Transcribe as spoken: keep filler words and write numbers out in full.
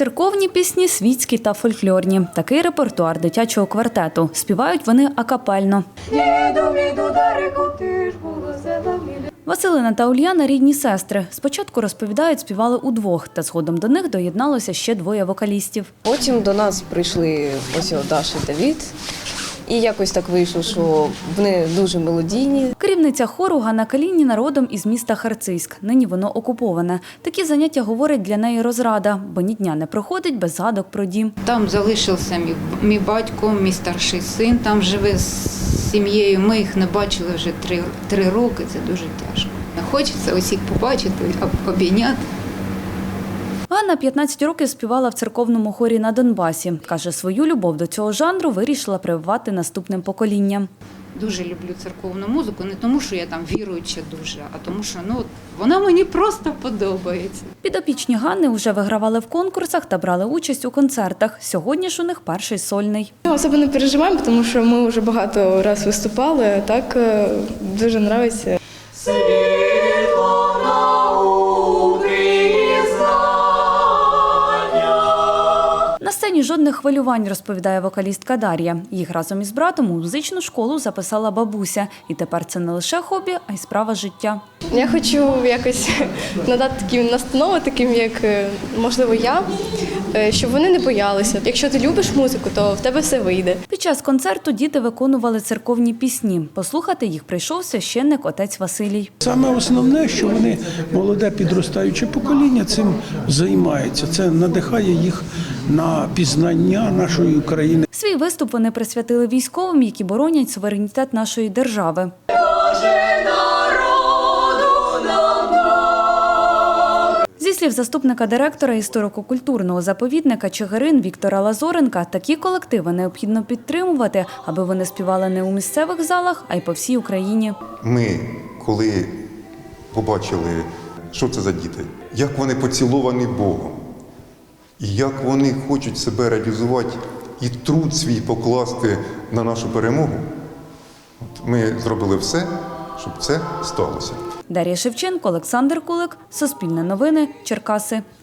Церковні пісні, світські та фольклорні. Такий репертуар дитячого квартету. Співають вони акапельно. Василина та Ульяна – рідні сестри. Спочатку, розповідають, співали удвох, та згодом до них доєдналося ще двоє вокалістів. Потім до нас прийшли ось Даша і Давід. І якось так вийшло, що вони дуже мелодійні. Керівниця хору Ганна Калініна родом із міста Харцизьк. Нині воно окуповане. Такі заняття, говорить, для неї розрада, бо ні дня не проходить без згадок про дім. Там залишився мій, мій батько, мій старший син, там живе з сім'єю. Ми їх не бачили вже три, три роки, це дуже тяжко. Хочеться усіх побачити, обійняти. Ганна п'ятнадцять років співала в церковному хорі на Донбасі. Каже, свою любов до цього жанру вирішила прививати наступним поколінням. Дуже люблю церковну музику, не тому, що я там віруюча дуже, а тому, що ну, вона мені просто подобається. Підопічні Ганни вже вигравали в конкурсах та брали участь у концертах. Сьогодні ж у них перший сольний. Ми особо не переживаємо, тому що ми вже багато разів виступали, а так дуже подобається. На сцені жодних хвилювань, розповідає вокалістка Дар'я. Їх разом із братом у музичну школу записала бабуся. І тепер це не лише хобі, а й справа життя. Я хочу якось надати такі настанови, таким як, можливо, я, щоб вони не боялися. Якщо ти любиш музику, то в тебе все вийде. Під час концерту діти виконували церковні пісні. Послухати їх прийшов священник отець Василій. Саме основне, що вони, молоде підростаюче покоління, цим займається. Це надихає їх на пізнання нашої України. Свій виступ вони присвятили військовим, які боронять суверенітет нашої держави. Зі слів заступника директора історико-культурного заповідника Чигирин Віктора Лазоренка, такі колективи необхідно підтримувати, аби вони співали не у місцевих залах, а й по всій Україні. Ми, коли побачили, що це за діти, як вони поціловані Богом, і як вони хочуть себе реалізувати і труд свій покласти на нашу перемогу, от ми зробили все, щоб це сталося. Дар'я Шевченко, Олександр Кулик, Суспільне новини, Черкаси.